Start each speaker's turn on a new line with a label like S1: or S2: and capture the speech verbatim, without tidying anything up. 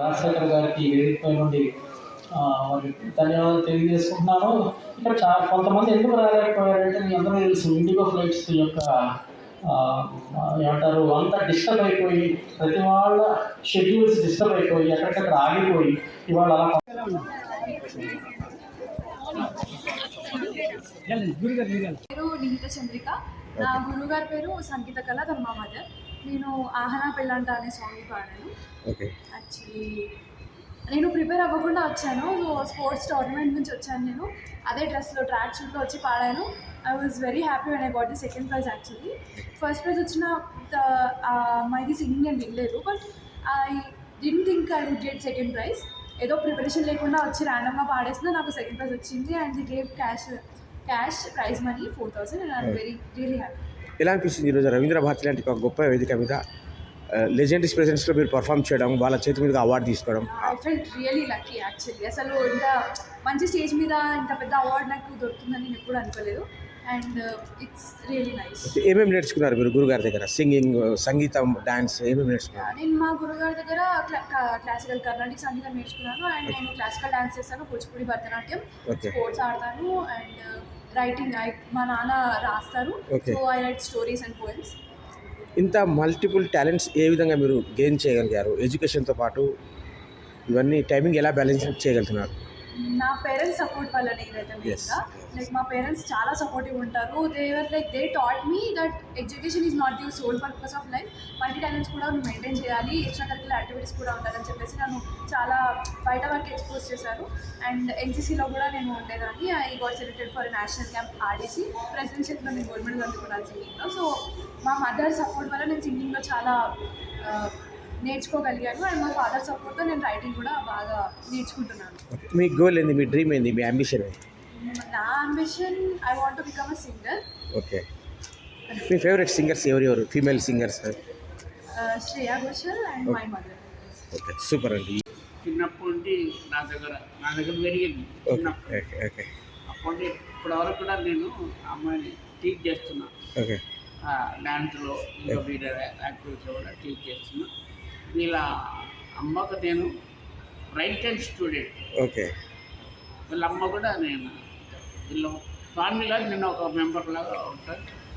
S1: రాజశేఖర్ గారికి వేదికపై నుండి మరి ధన్యవాదాలు తెలియజేసుకుంటున్నాను. ఇక్కడ చాలా కొంతమంది ఎందుకు రాలేకపోయారంటే మీ అందరూ తెలుసు ఇండిగో ఫ్లైట్స్ యొక్క ఏమంటారు అంతా డిస్టర్బ్ అయిపోయి ప్రతి వాళ్ళ షెడ్యూల్స్ డిస్టర్బ్ అయిపోయి ఎక్కడికక్కడ ఆగిపోయి ఇవాళ అలా
S2: పేరు నిహిత చంద్రిక. నా గురువు గారి పేరు సంగీత కళ, తన మా మదర్. నేను ఆహనా పెళ్ళంట అనే సాంగ్ పాడాను. యాక్చువల్లీ నేను ప్రిపేర్ అవ్వకుండా వచ్చాను. సో స్పోర్ట్స్ టోర్నమెంట్ నుంచి వచ్చాను. నేను అదే డ్రెస్లో ట్రాక్ షూట్లో వచ్చి పాడాను. I was very happy when I got the second prize. Actually first prize వచ్చిన అమ్మాయిది సింగింగ్ నేను వినలేదు, but I didn't think I would get second prize. ఏదో ప్రిపరేషన్ లేకుండా వచ్చి ర్యాండమ్గా పాడేసిన నాకు సెకండ్ ప్రైజ్ వచ్చింది. And they gave cash cash prize money four thousand and I'm very really happy.
S3: ఎలా అనిపిస్తుంది ఈరోజు రవీంద్ర భారతి లాంటి ఒక గొప్ప వేదిక మీద లెజెండరీస్ ప్రెజెన్స్లో మీరు పర్ఫామ్ చేయడం, వాళ్ళ చేతి మీద అవార్డు తీసుకోవడం?
S2: I felt really lucky actually. అసలు ఇంత మంచి స్టేజ్ మీద ఇంత పెద్ద అవార్డు నాకు దొరుకుతుందని నేను ఎప్పుడు అనుకోలేదు. And it's really nice.
S3: ఏమేమి నేర్చుకున్నారు మీరు గురుగారి దగ్గర? సింగింగ్, సంగీతం, డాన్స్ ఏమేమి నేర్చుకున్నారు?
S2: నేను మా గురుగారి దగ్గర క్లాసికల్ కర్ణాటక సంగీతం నేర్చుకున్నాను. అండ్ నేను క్లాసికల్ డాన్స్ చేస్తాను, కూచిపూడి, భరతనాట్యం, స్పోర్ట్స్ ఆడతాను. అండ్ రైటింగ్ మా నాన్న రాస్తారు, so I write stories and poems.
S3: ఇంత మల్టిపుల్ టాలెంట్స్ ఏ విధంగా మీరు గెయిన్ చేయగలిగారు? ఎడ్యుకేషన్తో పాటు ఇవన్నీ టైమింగ్ ఎలా బ్యాలెన్స్ చేయగలుగుతున్నారు?
S2: నా పేరెంట్స్ సపోర్ట్ వల్లనే ఇదైతే మెయిన్గా. లైక్ మా పేరెంట్స్ చాలా సపోర్టివ్ ఉంటారు. They were like they taught me that education is not the sole purpose of life. Multi talents కూడా నువ్వు మెయింటైన్ చేయాలి, ఎక్స్ట్రా కరిక్యులర్ యాక్టివిటీస్ కూడా ఉండాలని చెప్పేసి నన్ను చాలా బయట వరకు ఎక్స్పోజ్ చేశారు. అండ్ ఎన్సీసీలో కూడా నేను ఉండేదాన్ని. I got selected for national camp RDC. ప్రెసిడెన్షియల్లో నేను గోల్డ్ మెడల్ అందుకున్నాను సింగింగ్లో. సో మా మదర్ సపోర్ట్ వల్ల నేను సింగింగ్లో చాలా నేర్చుకోగలిగాను. అండ్ మా ఫాదర్ సపోర్ట్తో నేను రైటింగ్ కూడా బాగా నేర్చుకుంటున్నాను.
S3: మీ గోల్ ఏంది? మీ డ్రీమ్ ఏంది? మీ అంబిషన్ ఏంది?
S2: నా ambition I want to become a singer.
S3: Okay. మీ ఫేవరెట్ సింగర్స్ ఎవరు ఎవరు? Female singers?
S2: Shreya Ghoshal and my mother.
S3: Okay, super అండి.
S4: చిన్నప్పటి నుండి నా దగ్గర నా దగ్గర పెరిగింది.
S3: Okay okay.
S4: అప్పటి ఇప్పటి వరకు కూడా నేను అమ్మాయిని టీచ్ చేస్తున్నా.
S3: ఓకే.
S4: డ్యాన్స్లో ఇంకా వేరే యాక్టివిటీస్ కూడా టీచ్ చేస్తున్నా. వీళ్ళ అమ్మకు నేను రైట్ హ్యాండ్ స్టూడెంట్.
S3: ఓకే.
S4: వీళ్ళ అమ్మ కూడా నేను వీళ్ళు ఫ్యామిలీలో నేను ఒక మెంబర్ లాగా ఉంటాను.